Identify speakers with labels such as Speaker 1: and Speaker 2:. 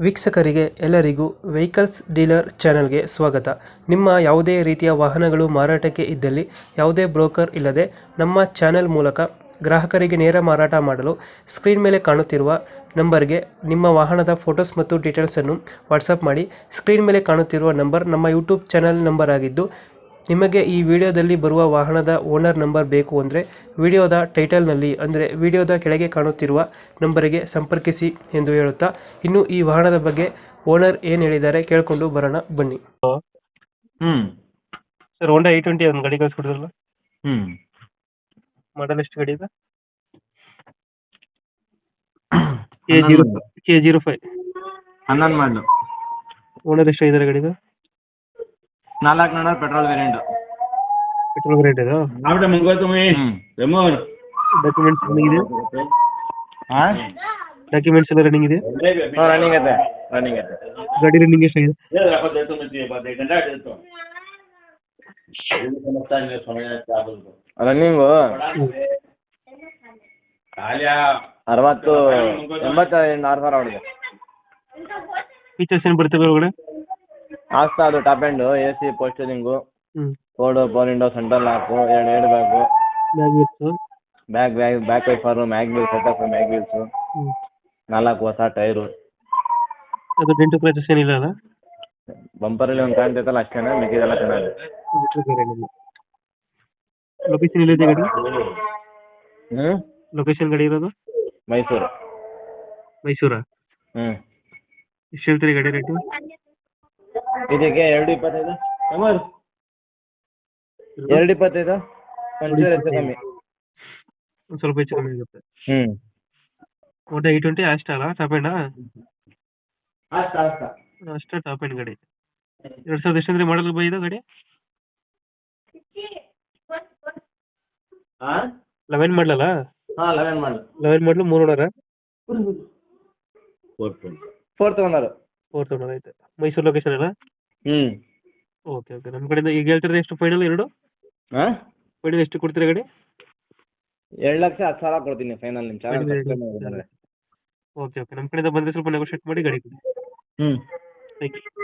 Speaker 1: ವೀಕ್ಷಕರಿಗೆ ಎಲ್ಲರಿಗೂ vehicles dealer ಚಾನೆಲ್ಗೆ ಸ್ವಾಗತ. ನಿಮ್ಮ ಯಾವುದೇ ರೀತಿಯ ವಾಹನಗಳು ಮಾರಾಟಕ್ಕೆ ಇದ್ದಲ್ಲಿ ಯಾವುದೇ ಬ್ರೋಕರ್ ಇಲ್ಲದೆ ನಮ್ಮ ಚಾನೆಲ್ ಮೂಲಕ ಗ್ರಾಹಕರಿಗೆ ನೇರ ಮಾರಾಟ ಮಾಡಲು ಸ್ಕ್ರೀನ್ ಮೇಲೆ ಕಾಣುತ್ತಿರುವ ನಂಬರ್ಗೆ ನಿಮ್ಮ ವಾಹನದ ಫೋಟೋಸ್ ಮತ್ತು ಡೀಟೇಲ್ಸನ್ನು ವಾಟ್ಸಪ್ ಮಾಡಿ. ಸ್ಕ್ರೀನ್ ಮೇಲೆ ಕಾಣುತ್ತಿರುವ ನಂಬರ್ ನಮ್ಮ ಯೂಟ್ಯೂಬ್ ಚಾನೆಲ್ ನಂಬರ್ ಆಗಿದ್ದು, ನಿಮಗೆ ಈ ವಿಡಿಯೋದಲ್ಲಿ ಬರುವ ವಾಹನದ ಓನರ್ ನಂಬರ್ ಬೇಕು ಅಂದರೆ ವಿಡಿಯೋದ ಟೈಟಲ್ನಲ್ಲಿ ಅಂದರೆ ವಿಡಿಯೋದ ಕೆಳಗೆ ಕಾಣುತ್ತಿರುವ ನಂಬರಿಗೆ ಸಂಪರ್ಕಿಸಿ ಎಂದು ಹೇಳುತ್ತಾ, ಇನ್ನು ಈ ವಾಹನದ ಬಗ್ಗೆ ಓನರ್ ಏನು ಹೇಳಿದ್ದಾರೆ ಕೇಳಿಕೊಂಡು ಬರೋಣ ಬನ್ನಿ.
Speaker 2: ಹ್ಮ್
Speaker 1: ಸರ್, ಹೋಂಡಾ i20 ಒಂದು ಗಾಡಿ ಕಳಿಸ್ಕೊಡಿದ್ರಲ್ಲ,
Speaker 2: ಹ್ಮ್
Speaker 1: ಮಾಡಲ್ ಎಷ್ಟು ಗಾಡಿ ಇದೆ?
Speaker 2: ಹನ್ನೊಂದು.
Speaker 1: K05.
Speaker 2: 11 ಮಾಡಲು
Speaker 1: ಓನರ್ ಎಷ್ಟು ಇದ್ದಾರೆ ಗಾಡಿದು?
Speaker 2: 400 ಪೆಟ್ರೋಲ್ ವೇರಿಯಂಟ್.
Speaker 1: ಪೆಟ್ರೋಲ್ ರೇಟ್ ಇದೆ. ಡಾಕ್ಯುಮೆಂಟ್ಸ್ ರನ್ನಿಂಗ್ ಇದೆ? ಡಾಕ್ಯುಮೆಂಟ್ಸ್ ಎಲ್ಲ ರನ್ನಿಂಗ್ ಇದೆ?
Speaker 2: ರನ್ನಿಂಗ್ ಐತೆ ರನ್ನಿಂಗ್ ಐತೆ.
Speaker 1: ಗಾಡಿ ರನ್ನಿಂಗ್ ಎಷ್ಟಾಗಿದೆ?
Speaker 2: ರನ್ನಿಂಗು 60 80 ಹೊಡೆದೆ.
Speaker 1: ಫೀಚರ್ಸ್ ಏನು ಬರ್ತವೆ ಒಳಗಡೆ?
Speaker 2: ಆಗ್ತಾ ಅದು ಟಾಪ್ ಎಂಡ್ AC ಪೋಸ್ಟರಿಂಗು,
Speaker 1: ಹ್ಞೂ
Speaker 2: Ford power window, central lock, 2 air bag, back wiper, mag wheel setup, mag wheels, 4 ಹೊಸ ಟೈರು.
Speaker 1: ಅದು ಡೆಂಟು ಕ್ರಾಚಸ್ ಏನಿಲ್ಲ ಅಲ್ಲ?
Speaker 2: ಬಂಪರಲ್ಲಿ ಒಂದು ಕಾಣ್ತೈತಲ್ಲ ಅಷ್ಟೇನೆ, ಮಿಕ್ಕಿದೆಲ್ಲ ಚೆನ್ನಾಗಿದೆ.
Speaker 1: ಲೊಕೇಶನ್ ಎಲ್ಲಿದೆ ಗಾಡಿ?
Speaker 2: ಹ್ಮ್
Speaker 1: ಲೊಕೇಶನ್ ಗಾಡಿ ಇರೋದು
Speaker 2: ಮೈಸೂರು.
Speaker 1: ಮೈಸೂರಾ?
Speaker 2: ಹ್ಮ್
Speaker 1: ಎಷ್ಟು ಹೇಳ್ತೀರಿ ಗಾಡಿ ರೇಟು?
Speaker 2: ಇದಕ್ಕೆ 2.25. 2.25 ಒಂಚೂರು ಹೆಚ್ಚು ಕಮ್ಮಿ.
Speaker 1: ಒಂದು ಸ್ವಲ್ಪ ಹೆಚ್ಚು ಕಮ್ಮಿ ಆಗುತ್ತೆ.
Speaker 2: ಹ್ಮ್
Speaker 1: ಹೋಂಡಾ i20 ಅಷ್ಟ ಅಲ್ಲ, ಟಾಪ್ ಎಂಡಾ? ಅಷ್ಟೇ ಟಾಪ್ ಎಂಡ್ ಗಾಡಿ. 2000 ಎಷ್ಟಂದ್ರೆ ಮಾಡಲ್ ಬೈದ ಗಾಡಿ? 11 ಮಾಡಲಲ್ಲ?
Speaker 2: 11 ಮಾಡಲು.
Speaker 1: 11 ಮಾಡಲು 3 ಓನರ?
Speaker 2: 4th owner.
Speaker 1: 4th ಓನರ್ ಐತೆ. ಮೈಸೂರು ಲೊಕೇಶನ್ ಅಲ್ಲ?
Speaker 2: Hmm
Speaker 1: okay okay. ನಮ್ಮ ಕಡೆಯಿಂದ ಈಗ ಹೇಳ್ತಿರೋದು ಎಷ್ಟು ಫೈನಲ್? ಎರಡು ಫೈನಲ್ ಎಷ್ಟು ಕೊಡ್ತೀರಾ ಗಾಡಿ?
Speaker 2: 2,10,000 ಕೊಡ್ತೀನಿ ಫೈನಲ್. ನಿಮ್ಮ ಚಾನಲ್.
Speaker 1: Okay okay. ನಮ್ಮ ಕಡೆಯಿಂದ ಬಂದರೆ ಸ್ವಲ್ಪ ನೆಗೋಷಿಯೇಟ್ ಮಾಡಿ ಗಾಡಿ ಕೊಡಿ.
Speaker 2: Hmm
Speaker 1: thank you.